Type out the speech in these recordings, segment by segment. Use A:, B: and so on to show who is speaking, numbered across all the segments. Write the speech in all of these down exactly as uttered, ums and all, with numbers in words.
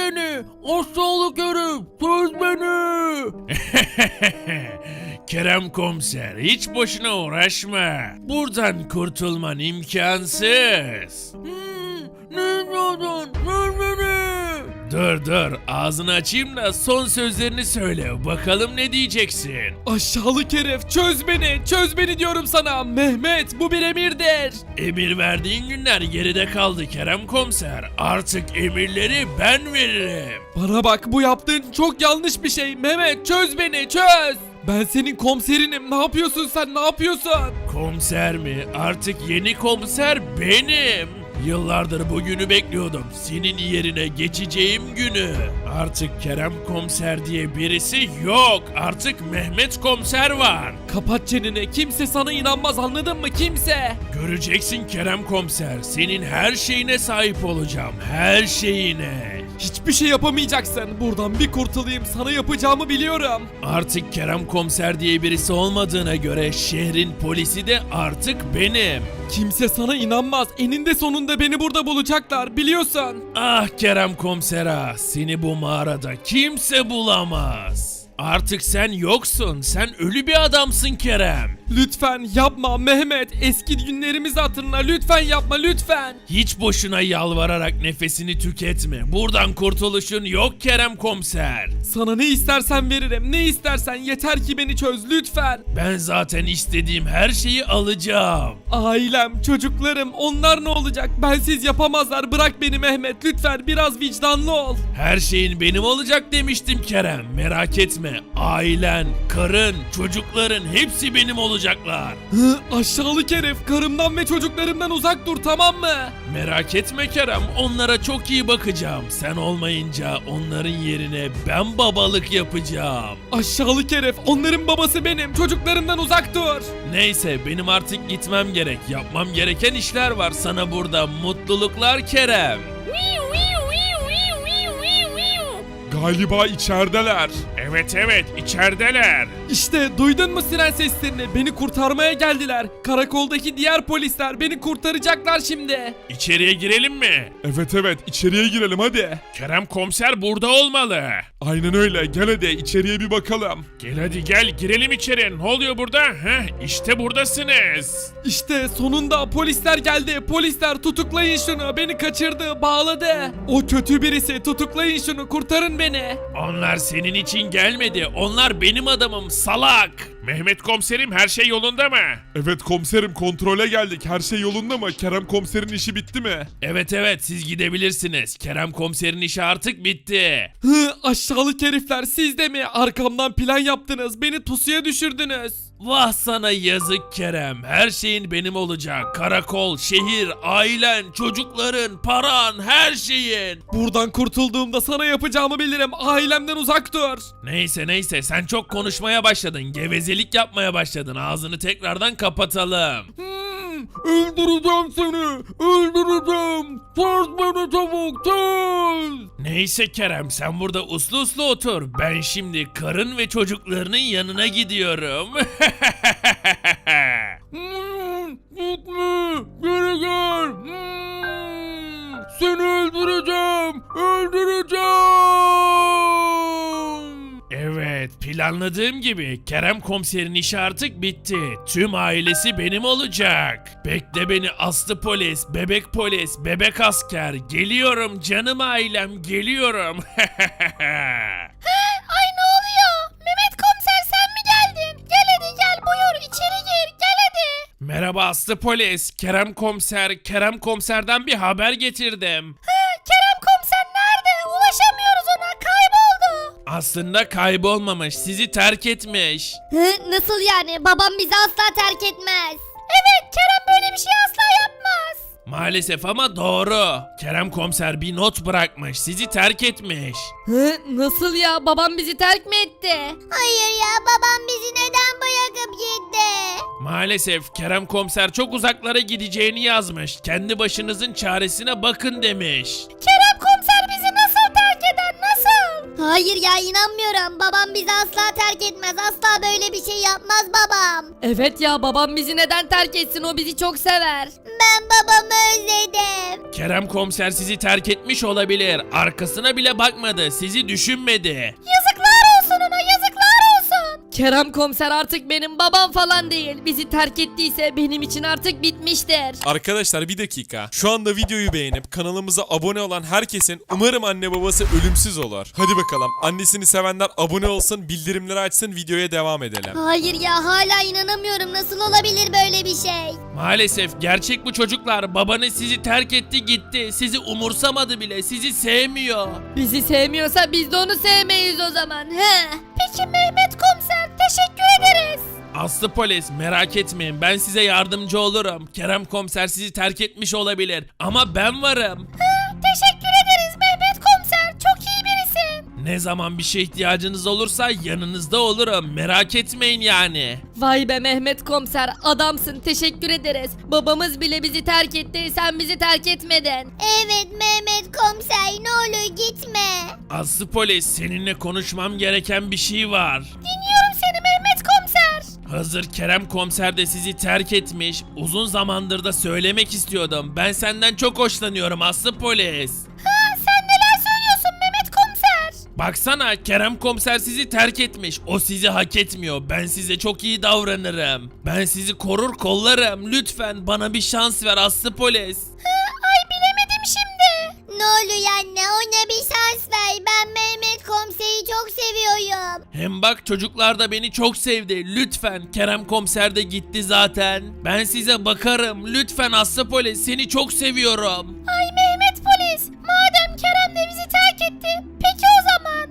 A: beni. Aşağılık herif. Çöz beni.
B: Kerem komiser, hiç boşuna uğraşma. Buradan kurtulman imkansız.
A: Hmm, ne diyordun? Çöz beni.
B: Dur dur, ağzını açayım da son sözlerini söyle. Bakalım ne diyeceksin?
C: Aşağılık herif çöz beni çöz beni diyorum sana. Mehmet bu bir emirdir.
B: Emir verdiğin günler geride kaldı Kerem komiser. Artık emirleri ben veririm.
C: Bana bak, bu yaptığın çok yanlış bir şey. Mehmet çöz beni çöz. Ben senin komiserinim. Ne yapıyorsun sen, ne yapıyorsun?
B: Komiser mi? Artık yeni komiser benim. Yıllardır bugünü bekliyordum. Senin yerine geçeceğim günü. Artık Kerem komiser diye birisi yok. Artık Mehmet komiser var.
C: Kapat çeneni, kimse sana inanmaz, anladın mı, kimse?
B: Göreceksin Kerem komiser. Senin her şeyine sahip olacağım. Her şeyine.
C: Hiçbir şey yapamayacaksın. Buradan bir kurtulayım, sana yapacağımı biliyorum.
B: Artık Kerem komiser diye birisi olmadığına göre şehrin polisi de artık benim.
C: Kimse sana inanmaz. Eninde sonunda beni burada bulacaklar, biliyorsun.
B: Ah Kerem komiser ah, seni bu mağarada kimse bulamaz. Artık sen yoksun, sen ölü bir adamsın Kerem.
C: Lütfen yapma Mehmet. Eski günlerimizi hatırla, lütfen yapma, lütfen.
B: Hiç boşuna yalvararak nefesini tüketme. Buradan kurtuluşun yok Kerem komiser.
C: Sana ne istersen veririm, ne istersen, yeter ki beni çöz lütfen.
B: Ben zaten istediğim her şeyi alacağım.
C: Ailem, çocuklarım, onlar ne olacak? Bensiz yapamazlar, bırak beni Mehmet, lütfen biraz vicdanlı ol.
B: Her şeyin benim olacak demiştim Kerem. Merak etme. Ailen, karın, çocukların hepsi benim olacaklar.
C: Hı, aşağılık herif, karımdan ve çocuklarımdan uzak dur, tamam mı?
B: Merak etme Kerem. Onlara çok iyi bakacağım. Sen olmayınca onların yerine ben babalık yapacağım.
C: Aşağılık herif, onların babası benim, çocuklarımdan uzak dur.
B: Neyse benim artık gitmem gerek. Yapmam gereken işler var. Sana burada mutluluklar Kerem.
D: Galiba içerideler.
B: Evet evet içerideler.
C: İşte duydun mu siren seslerini? Beni kurtarmaya geldiler. Karakoldaki diğer polisler beni kurtaracaklar şimdi.
B: İçeriye girelim mi?
D: Evet evet içeriye girelim hadi.
B: Kerem komiser burada olmalı.
D: Aynen öyle, gel hadi içeriye bir bakalım.
B: Gel hadi gel girelim içeri. Ne oluyor burada? Heh, işte buradasınız.
C: İşte sonunda polisler geldi. Polisler tutuklayın şunu. Beni kaçırdı, bağladı. O kötü birisi. Tutuklayın şunu. Kurtarın beni.
B: Onlar senin için gelmedi. Onlar benim adamım salak. Mehmet komiserim her şey yolunda mı?
D: Evet komiserim, kontrole geldik, her şey yolunda mı? Kerem komiserin işi bitti mi?
B: Evet evet siz gidebilirsiniz. Kerem komiserin işi artık bitti.
C: Hı, aşağılık herifler, siz de mi? Arkamdan plan yaptınız. Beni pusuya düşürdünüz.
B: Vah sana yazık Kerem. Her şeyin benim olacak. Karakol, şehir, ailen, çocukların, paran, her şeyin.
C: Buradan kurtulduğumda sana yapacağımı bilirim. Ailemden uzak dur.
B: Neyse neyse sen çok konuşmaya başladın. Gevezelik yapmaya başladın. Ağzını tekrardan kapatalım.
A: Hmm, öldüreceğim seni. Öldüreceğim. Çöz beni çabuk çöz.
B: Neyse Kerem sen burada uslu uslu otur. Ben şimdi karın ve çocuklarının yanına gidiyorum.
A: Hmm, gitme. Geri gel. Hmm, seni öldüreceğim. Öldüreceğim.
B: Evet planladığım gibi Kerem komiserin işi artık bitti. Tüm ailesi benim olacak. Bekle beni aslı polis, bebek polis, bebek asker. Geliyorum canım ailem geliyorum.
E: Ay ne oluyor? Mehmet komiser sen mi geldin? Gel hadi gel, buyur içeri gir, gel hadi.
B: Merhaba aslı polis. Kerem komiser, Kerem komiserden bir haber getirdim.
E: Hı, Kerem komiser nerede? Ulaşamıyoruz ona, kayboldu.
B: Aslında kaybolmamış, sizi terk etmiş.
E: Hı, nasıl yani? Babam bizi asla terk etmez. Evet, Kerem böyle bir şey asla yapmaz.
B: Maalesef ama doğru. Kerem komiser bir not bırakmış, sizi terk etmiş.
F: Hı, nasıl ya? Babam bizi terk mi etti?
E: Hayır ya, babam bizi neden bırakıp gitti?
B: Maalesef Kerem komiser çok uzaklara gideceğini yazmış. Kendi başınızın çaresine bakın demiş.
E: Kerem komiser bizi nasıl terk eder, nasıl? Hayır ya inanmıyorum. Babam bizi asla terk etmez. Asla böyle bir şey yapmaz babam.
F: Evet ya babam bizi neden terk etsin, o bizi çok sever.
E: Ben babamı özledim.
B: Kerem komiser sizi terk etmiş olabilir. Arkasına bile bakmadı. Sizi düşünmedi.
E: Yazıklar olsun ona, yazıklar olsun.
F: Kerem komiser artık benim babam falan değil. Bizi terk ettiyse benim için artık bitmiştir.
G: Arkadaşlar bir dakika. Şu anda videoyu beğenip kanalımıza abone olan herkesin umarım anne babası ölümsüz olur. Hadi bakalım. Annesini sevenler abone olsun, bildirimleri açsın, videoya devam edelim.
E: Hayır ya hala inanamıyorum. Nasıl olabilir böyle bir şey?
B: Maalesef gerçek bu çocuklar. Babanız sizi terk etti gitti. Sizi umursamadı bile. Sizi sevmiyor.
F: Bizi sevmiyorsa biz de onu sevmeyiz o zaman. He.
E: Peki Mehmet komiser, teşekkür ederiz.
B: Aslı polis merak etmeyin, ben size yardımcı olurum. Kerem komiser sizi terk etmiş olabilir ama ben varım.
E: Teşekkür ederiz Mehmet komiser. Çok iyi birisin.
B: Ne zaman bir şey ihtiyacınız olursa yanınızda olurum, merak etmeyin yani.
F: Vay be Mehmet komiser, adamsın, teşekkür ederiz. Babamız bile bizi terk etti, sen bizi terk etmedin.
E: Evet Mehmet komiser, ne olur gitme.
B: Aslı polis, seninle konuşmam gereken bir şey var.
E: Dinliyorum seni Mehmet komiser.
B: Hazır Kerem komiser de sizi terk etmiş, uzun zamandır da söylemek istiyordum. Ben senden çok hoşlanıyorum Aslı polis.
E: Ha, sen neler söylüyorsun Mehmet komiser?
B: Baksana, Kerem komiser sizi terk etmiş. O sizi hak etmiyor. Ben size çok iyi davranırım. Ben sizi korur kollarım. Lütfen bana bir şans ver Aslı polis.
E: Ay bilemedim şimdi. Ne oluyor anne, ona bir şans ver. Ben Mehmet komiseri çok seviyorum.
B: Hem bak, çocuklar da beni çok sevdi. Lütfen, Kerem komiser de gitti zaten. Ben size bakarım. Lütfen Aslı polis, seni çok seviyorum.
E: Ay Mehmet polis, madem Kerem de bizi terk etti, peki o zaman.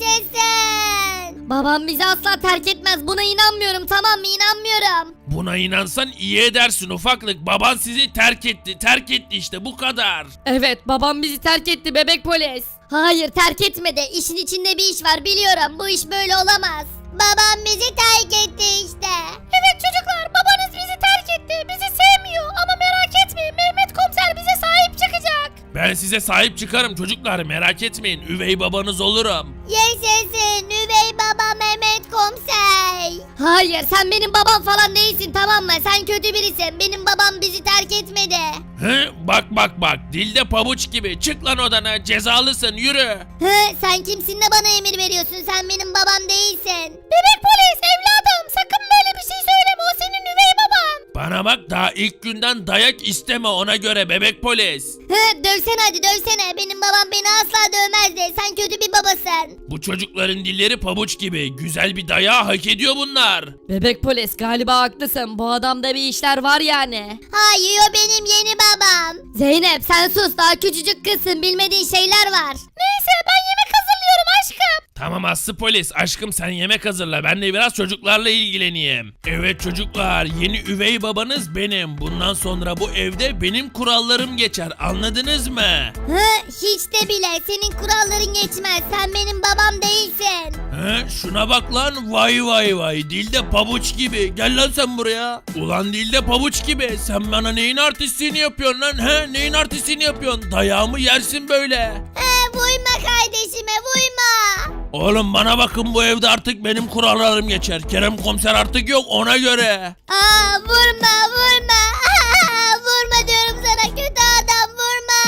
E: Yaşasın. Babam bizi asla terk etmez, buna inanmıyorum, tamam mı, inanmıyorum.
B: Buna inansan iyi edersin ufaklık. Baban sizi terk etti. Terk etti işte, bu kadar.
F: Evet, babam bizi terk etti bebek polis.
E: Hayır terk etmedi, işin içinde bir iş var biliyorum, bu iş böyle olamaz. Babam bizi terk etti işte. Evet çocuklar, babanız bizi terk etti, bizi sevmiyor ama merak etmeyin, Mehmet komiser bize sahip çıkacak.
B: Ben size sahip çıkarım çocuklar, merak etmeyin. Üvey babanız olurum.
E: Yaşasın üvey baba Mehmet komiser. Hayır sen benim babam falan değilsin, tamam mı? Sen kötü birisin. Benim babam bizi terk etmedi.
B: He, bak bak bak, dilde pabuç gibi. Çık lan odana, cezalısın, yürü.
E: Hı, sen kimsin de bana emir veriyorsun? Sen benim babam değilsin. Bebek polis evladım, sakın böyle bir şey söyleme, o senin üvey baban.
B: Bana bak, daha ilk günden dayak isteme, ona göre bebek polis.
E: Hı, dövsene hadi dövsene. Benim babam beni asla dövmezdi. Sen kötü bir babasın.
B: Bu çocukların dilleri pabuç gibi. Güzel bir dayağı hak ediyor bunlar.
F: Bebek polis, galiba haklısın, bu adamda bir işler var yani.
E: Hayır o benim yeni babam. Zeynep sen sus, daha küçücük kızsın, bilmediğin şeyler var. Neyse ben yemek hazırlıyorum aşkım.
B: Tamam Aslı polis, aşkım sen yemek hazırla, ben de biraz çocuklarla ilgileneyim. Evet çocuklar, yeni üvey babanız benim. Bundan sonra bu evde benim kurallarım geçer, anladınız mı?
E: Hı, hiç de bile senin kuralların geçmez. Sen benim babam değilsin.
B: He, şuna bak lan, vay vay vay, dilde pabuç gibi. Gel lan sen buraya. Ulan dilde pabuç gibi, sen bana neyin artistliğini yapıyorsun lan? He, neyin artistliğini yapıyorsun? Dayağımı yersin böyle.
E: He, vurma kardeşime vurma.
B: Oğlum bana bakın, bu evde artık benim kurallarım geçer. Kerem komiser artık yok, ona göre.
E: Aa, vurma vurma. Aa, vurma diyorum sana, kötü adam vurma.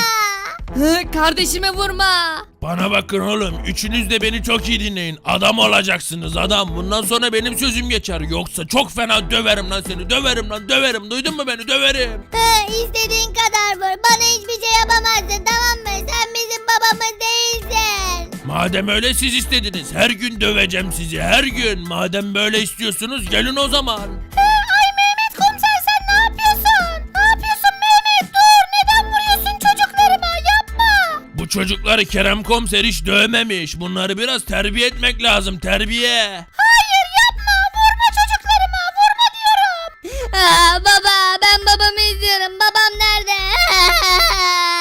F: Hı, kardeşime vurma.
B: Bana bakın oğlum, üçünüz de beni çok iyi dinleyin. Adam olacaksınız adam. Bundan sonra benim sözüm geçer. Yoksa çok fena döverim lan seni. Döverim lan, döverim. Duydun mu beni? Döverim.
E: He, istediğin kadar vur. Bana hiçbir şey yapamazsın, tamam mı? Sen bizim babamız değilsin.
B: Madem öyle siz istediniz. Her gün döveceğim sizi. Her gün. Madem böyle istiyorsunuz, gelin o zaman.
E: He, ay Mehmet komiser sen ne yapıyorsun? Ne yapıyorsun Mehmet? Dur, neden vuruyorsun çocuklarıma? Yapma.
B: Bu çocukları Kerem komiser hiç dövmemiş. Bunları biraz terbiye etmek lazım. Terbiye.
E: Hayır yapma, vurma çocuklarıma, vurma diyorum. Aa, baba ben babamı izliyorum, babam nerede?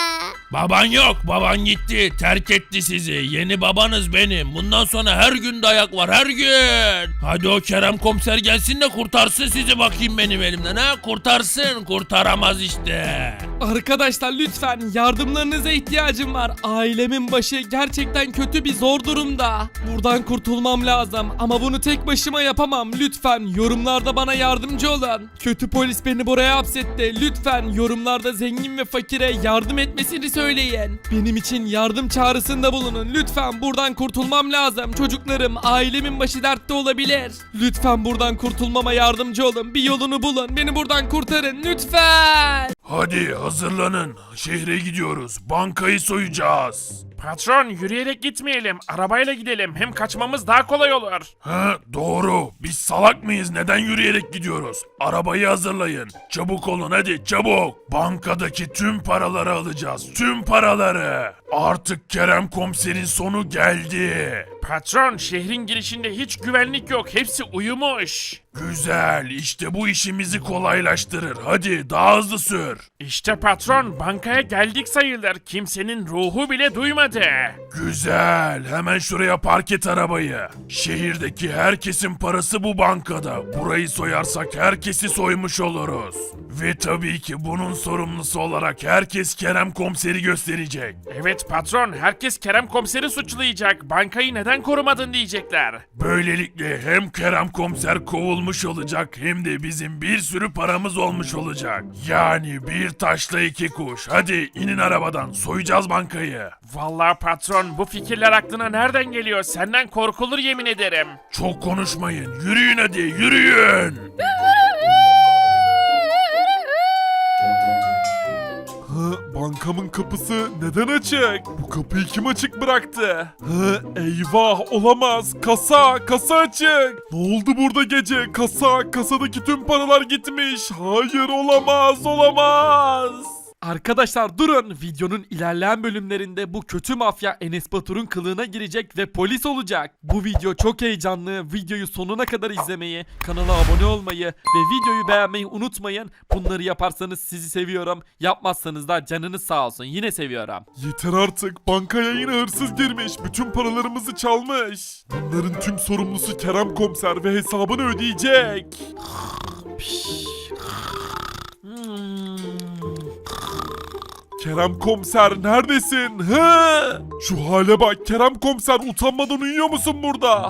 B: Baban yok, baban gitti, terk etti sizi. Yeni babanız benim. Bundan sonra her gün dayak var, her gün. Hadi o Kerem komiser gelsin de kurtarsın sizi bakayım benim elimden ha. Kurtarsın, kurtaramaz işte.
C: Arkadaşlar lütfen yardımlarınıza ihtiyacım var. Ailemin başı gerçekten kötü bir zor durumda. Buradan kurtulmam lazım ama bunu tek başıma yapamam. Lütfen yorumlarda bana yardımcı olun. Kötü polis beni buraya hapsetti. Lütfen yorumlarda zengin ve fakire yardım etmesini söyleyin. Benim için yardım çağrısında bulunun. Lütfen buradan kurtulmam lazım. Çocuklarım, ailemin başı dertte olabilir. Lütfen buradan kurtulmama yardımcı olun. Bir yolunu bulun. Beni buradan kurtarın lütfen.
B: Hadi hazırlanın. Şehre gidiyoruz. Bankayı soyacağız.
H: Patron yürüyerek gitmeyelim. Arabayla gidelim. Hem kaçmamız daha kolay olur.
B: Ha, doğru. Biz salak mıyız? Neden yürüyerek gidiyoruz? Arabayı hazırlayın. Çabuk olun hadi çabuk. Bankadaki tüm paraları alacağız. Tüm paraları. Artık Kerem komiserin sonu geldi.
H: Patron şehrin girişinde hiç güvenlik yok. Hepsi uyumuş.
B: Güzel. İşte bu işimizi kolaylaştırır. Hadi daha hızlı sür.
H: İşte patron bankaya geldik sayılır. Kimsenin ruhu bile duymadı.
B: Güzel. Hemen şuraya park et arabayı. Şehirdeki herkesin parası bu bankada. Burayı soyarsak herkesi soymuş oluruz. Ve tabii ki bunun sorumlusu olarak herkes Kerem komiseri gösterecek.
H: Evet patron herkes Kerem komiseri suçlayacak. Bankayı neden korumadın diyecekler.
B: Böylelikle hem Kerem komiser kovulmuş olacak hem de bizim bir sürü paramız olmuş olacak. Yani bir taşla iki kuş. Hadi inin arabadan soyacağız bankayı.
H: Vallahi patron bu fikirler aklına nereden geliyor? Senden korkulur yemin ederim.
B: Çok konuşmayın. Yürüyün hadi yürüyün.
D: Hı, bankamın kapısı neden açık? Bu kapıyı kim açık bıraktı? Hı, eyvah olamaz. Kasa, kasa açık. Ne oldu burada gece? Kasa, kasadaki tüm paralar gitmiş. Hayır olamaz, olamaz.
C: Arkadaşlar durun. Videonun ilerleyen bölümlerinde bu kötü mafya Enes Batur'un kılığına girecek ve polis olacak. Bu video çok heyecanlı. Videoyu sonuna kadar izlemeyi, kanala abone olmayı ve videoyu beğenmeyi unutmayın. Bunları yaparsanız sizi seviyorum. Yapmazsanız da canınız sağ olsun. Yine seviyorum.
D: Yeter artık. Bankaya yine hırsız girmiş. Bütün paralarımızı çalmış. Bunların tüm sorumlusu Kerem komiser ve hesabını ödeyecek. Kerem komiser neredesin? Hı? Şu hale bak Kerem komiser utanmadan uyuyor musun burada?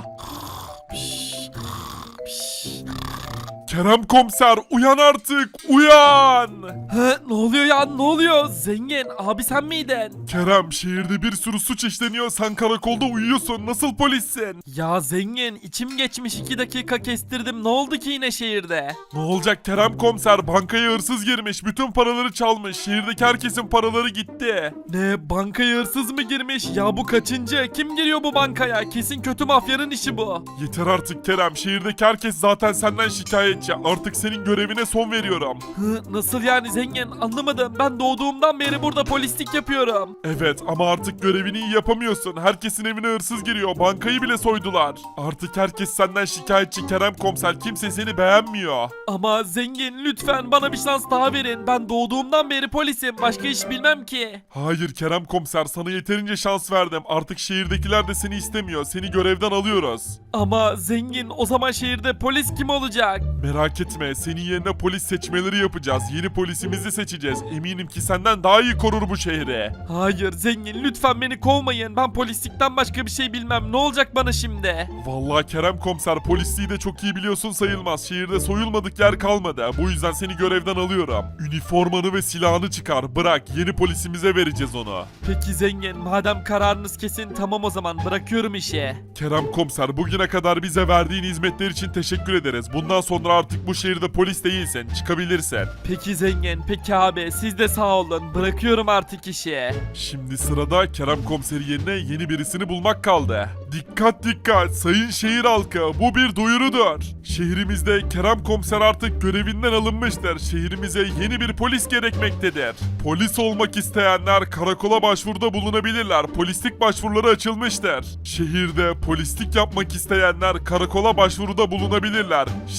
D: Kerem komiser uyan artık uyan.
C: Hı, ne oluyor ya ne oluyor? Zengin abi sen miydin?
D: Kerem şehirde bir sürü suç işleniyor sen karakolda uyuyorsun nasıl polissin?
C: Ya zengin içim geçmiş iki dakika kestirdim. Ne oldu ki yine şehirde?
D: Ne olacak Kerem komiser bankaya hırsız girmiş bütün paraları çalmış şehirdeki herkesin paraları gitti.
C: Ne bankaya hırsız mı girmiş? Ya bu kaçıncı? Kim giriyor bu bankaya? Kesin kötü mafyanın işi bu.
D: Yeter artık Kerem şehirdeki herkes zaten senden şikayetçi artık senin görevine son veriyorum.
C: Hı, nasıl yani zengin? Anlamadım. Ben doğduğumdan beri burada polislik yapıyorum.
D: Evet ama artık görevini iyi yapamıyorsun. Herkesin evine hırsız giriyor. Bankayı bile soydular. Artık herkes senden şikayetçi Kerem komiser. Kimse seni beğenmiyor.
C: Ama zengin lütfen bana bir şans daha verin. Ben doğduğumdan beri polisim. Başka iş bilmem ki.
D: Hayır Kerem komiser sana yeterince şans verdim. Artık şehirdekiler de seni istemiyor. Seni görevden alıyoruz.
C: Ama zengin o zaman şehirde polis kim olacak?
D: Merak etme senin yerine polis seçmeleri yapacağız. Yeni polisimizi seçeceğiz. Eminim ki senden daha iyi korur bu şehri.
C: Hayır zengin lütfen beni kovmayın. Ben polislikten başka bir şey bilmem. Ne olacak bana şimdi?
D: Vallahi Kerem komiser polisliği de çok iyi biliyorsun sayılmaz. Şehirde soyulmadık yer kalmadı. Bu yüzden seni görevden alıyorum. Üniformanı ve silahını çıkar. Bırak yeni polisimize vereceğiz onu.
C: Peki zengin madem kararınız kesin tamam o zaman bırakıyorum işi.
D: Kerem komiser bugüne kadar bize verdiğin hizmetler için teşekkür ederiz. Bundan sonra artık bu şehirde polis değilsin. Çıkabilirsin.
C: Peki zengin peki abi siz de sağ olun. Bırakıyorum artık işi.
D: Şimdi sırada Kerem komiseri yerine yeni birisini bulmak kaldı. Dikkat dikkat sayın şehir halkı bu bir duyurudur. Şehrimizde Kerem komiser artık görevinden alınmıştır. Şehrimize yeni bir polis gerekmektedir. Polis olmak isteyenler karakola başvuruda bulunabilirler. Polislik başvuruları açılmıştır. Şehirde polislik yapmak isteyenler karakola başvuruda bulunabilirler. Şimşehir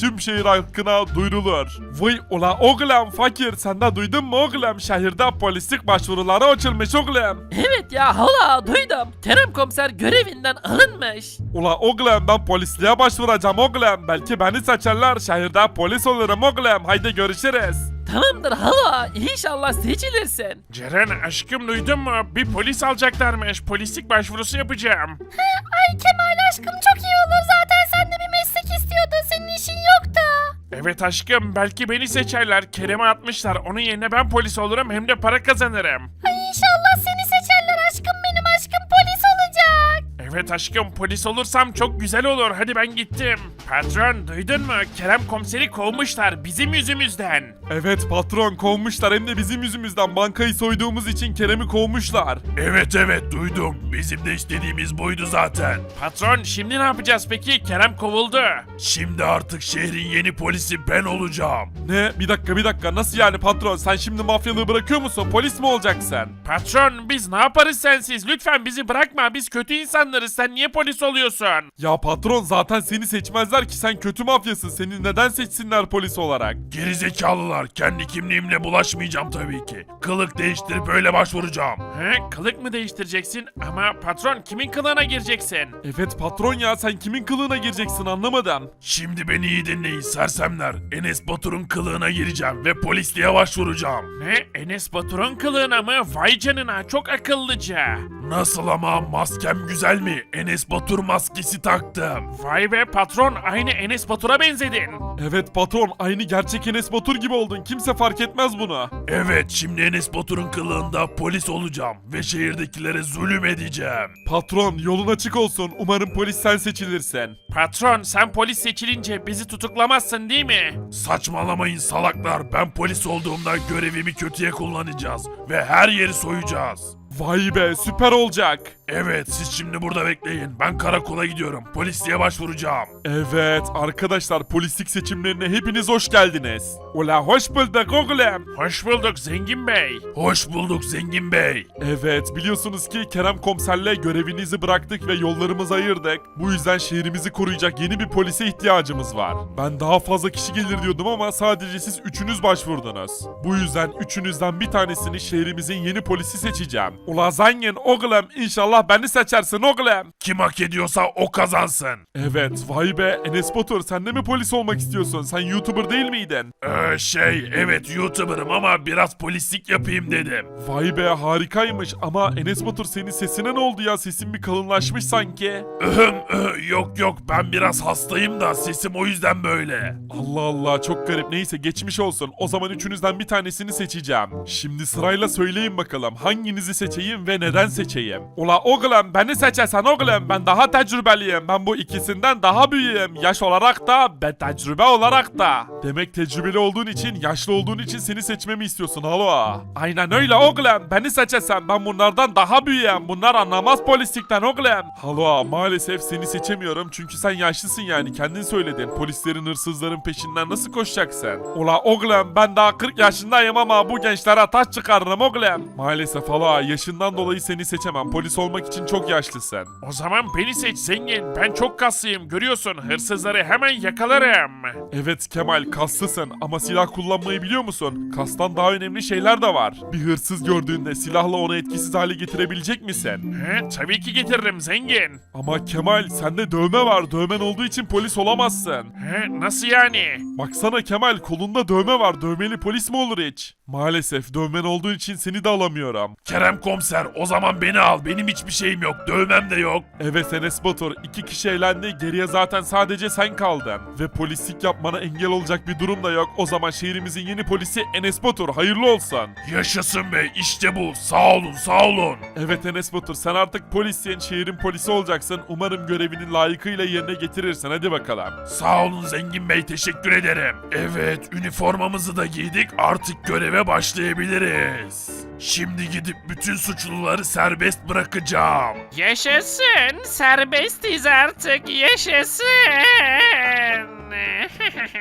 D: halkına duyurulur. Vay ula oğlum fakir sen de duydun mu oğlum? Şehirde polislik başvuruları açılmış oğlum.
A: Evet ya hala duydum. Kerem komiser görevinden alınmış.
D: Ula oğlum ben polisliğe başvuracağım oğlum. Belki beni seçerler şehirde polis olurum oğlum. Haydi görüşürüz.
A: Tamamdır hala inşallah seçilirsin.
H: Ceren aşkım duydun mu? Bir polis alacaklarmış. Polislik başvurusu yapacağım.
E: Ay Kemal aşkım çok iyi olur zaten sen de bir meslek istiyordun senin işin yoktu.
H: Evet aşkım belki beni seçerler. Kerem'e atmışlar. Onun yerine ben polis olurum hem de para kazanırım.
E: Ay inşallah seni seçerler aşkım benim aşkım polis olacak.
H: Evet aşkım polis olursam çok güzel olur. Hadi ben gittim. Patron duydun mu? Kerem komiseri kovmuşlar bizim yüzümüzden.
D: Evet patron kovmuşlar hem de bizim yüzümüzden bankayı soyduğumuz için Kerem'i kovmuşlar.
H: Evet evet duydum. Bizim de istediğimiz buydu zaten. Patron şimdi ne yapacağız peki? Kerem kovuldu. Şimdi artık şehrin yeni polisi ben olacağım.
D: Ne? Bir dakika bir dakika nasıl yani patron sen şimdi mafyalığı bırakıyor musun? Polis mi olacaksın?
H: Patron biz ne yaparız sensiz? Lütfen bizi bırakma. Biz kötü insanlarız. Sen niye polis oluyorsun?
D: Ya patron zaten seni seçmezler ki sen kötü mafyasın. Seni neden seçsinler polis olarak?
H: Gerizekalılar. Kendi kimliğimle bulaşmayacağım tabii ki. Kılık değiştirip öyle başvuracağım. He? Kılık mı değiştireceksin? Ama patron kimin kılığına gireceksin?
D: Evet patron ya sen kimin kılığına gireceksin anlamadım.
H: Şimdi beni iyi dinleyin sersemler. Enes Batur'un kılığına gireceğim ve polisliğe başvuracağım. Ne? Enes Batur'un kılığına mı? Vay canına çok akıllıca. Nasıl ama maskem güzel mi? Enes Batur maskesi taktım. Vay be patron aynı Enes Batur'a benzedin.
D: Evet patron aynı gerçek Enes Batur gibi oldun. Kimse fark etmez bunu.
H: Evet şimdi Enes Batur'un kılığında polis olacağım ve şehirdekilere zulüm edeceğim.
D: Patron yolun açık olsun. Umarım polis sen seçilirsin.
H: Patron sen polis seçilince bizi tutuklamazsın değil mi? Saçmalamayın salaklar. Ben polis olduğumda görevimi kötüye kullanacağız ve her yeri soyacağız.
D: Vay be süper olacak.
H: Evet siz şimdi burada bekleyin. Ben karakola gidiyorum. Polisliğe başvuracağım.
D: Evet arkadaşlar polislik seçimlerine hepiniz hoş geldiniz. Ula hoş bulduk oğlum.
H: Hoş bulduk Zengin Bey. Hoş bulduk Zengin Bey.
D: Evet biliyorsunuz ki Kerem komiserle görevinizi bıraktık ve yollarımızı ayırdık. Bu yüzden şehrimizi koruyacak yeni bir polise ihtiyacımız var. Ben daha fazla kişi gelir diyordum ama sadece siz üçünüz başvurdunuz. Bu yüzden üçünüzden bir tanesini şehrimizin yeni polisi seçeceğim. Ula zengin oğlum inşallah beni seçersin oğlum.
H: Kim hak ediyorsa o kazansın.
D: Evet vay be Enes Batur sen de mi polis olmak istiyorsun? Sen YouTuber değil miydin?
H: Ee, şey evet YouTuber'ım ama biraz polislik yapayım dedim.
D: Vay be harikaymış ama Enes Batur senin sesine ne oldu ya? Sesin bir kalınlaşmış sanki.
H: Öhüm, öh, yok yok ben biraz hastayım da sesim o yüzden böyle.
D: Allah Allah çok garip. Neyse geçmiş olsun. O zaman üçünüzden bir tanesini seçeceğim. Şimdi sırayla söyleyin bakalım hanginizi seçeyim ve neden seçeyim? Ula oğlum beni seçersen oğlum ben daha tecrübeliyim. Ben bu ikisinden daha büyüğüm. Yaş olarak da ve tecrübe olarak da. Demek tecrübeli olduğun için, yaşlı olduğun için seni seçmemi istiyorsun halo. Aynen öyle oğlum. Beni seçersen ben bunlardan daha büyüğüm. Bunlar anlamaz polislikten oğlum. Halo maalesef seni seçemiyorum çünkü sen yaşlısın yani kendin söyledin. Polislerin hırsızların peşinden nasıl koşacaksın? Ula oğlum ben daha kırk yaşındayım ama bu gençlere taş çıkarırım oğlum. Maalesef halo yaşından dolayı seni seçemem. Polis olmak için çok yaşlısın.
H: O zaman beni seç zengin. Ben çok kaslıyım görüyorsun. Hırsızları hemen yakalarım.
D: Evet Kemal kaslısın ama silah kullanmayı biliyor musun? Kastan daha önemli şeyler de var. Bir hırsız gördüğünde silahla onu etkisiz hale getirebilecek misin?
H: He, tabii ki getiririm zengin.
D: Ama Kemal sende dövme var. Dövmen olduğu için polis olamazsın.
H: He, nasıl yani?
D: Baksana Kemal kolunda dövme var. Dövmeli polis mi olur hiç? Maalesef dövmen olduğu için seni de alamıyorum.
H: Kerem komiser o zaman beni al. Benim hiçbir şeyim yok. Dövmem de yok.
D: Evet Enes Batur iki kişi elendi. Geriye zaten sadece sen kaldın. Ve polislik yapmana engel olacak bir durum da yok. O zaman şehrimizin yeni polisi Enes Batur. Hayırlı olsun.
H: Yaşasın be işte bu. Sağ olun sağ olun.
D: Evet Enes Batur sen artık polissin. Şehrin polisi olacaksın. Umarım görevini layıkıyla yerine getirirsin. Hadi bakalım.
H: Sağ olun zengin bey teşekkür ederim. Evet üniformamızı da giydik artık göreve başlayabiliriz. Şimdi gidip bütün suçluları serbest bırakacağım.
A: Yaşasın serbestiz artık yaşasın.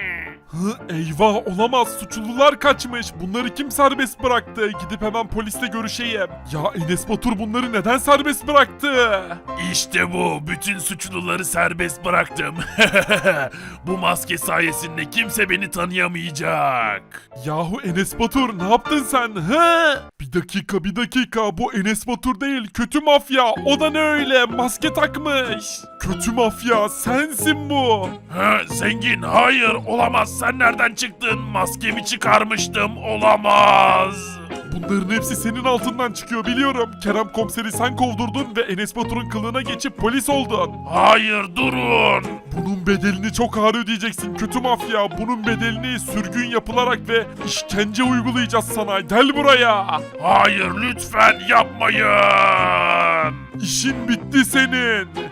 D: Hı, eyvah olamaz, suçlular kaçmış. Bunları kim serbest bıraktı? Gidip hemen polisle görüşeyim. Ya Enes Batur bunları neden serbest bıraktı?
H: İşte bu. Bütün suçluları serbest bıraktım. Bu maske sayesinde kimse beni tanıyamayacak.
D: Yahu Enes Batur ne yaptın sen? He? Bir dakika bir dakika, bu Enes Batur değil, kötü mafya. O da ne öyle, maske takmış. Kötü mafya sensin bu.
H: Ha, zengin, hayır olamaz. Sen nereden çıktın? Maskemi çıkarmıştım. Olamaz.
D: Bunların hepsi senin altından çıkıyor biliyorum. Kerem komiseri sen kovdurdun ve Enes Batur'un kılığına geçip polis oldun.
H: Hayır, durun.
D: Bunun bedelini çok ağır ödeyeceksin kötü mafya. Bunun bedelini sürgün yapılarak ve işkence uygulayacağız sana. Gel buraya.
H: Hayır, lütfen yapmayın.
D: İşin bitti senin.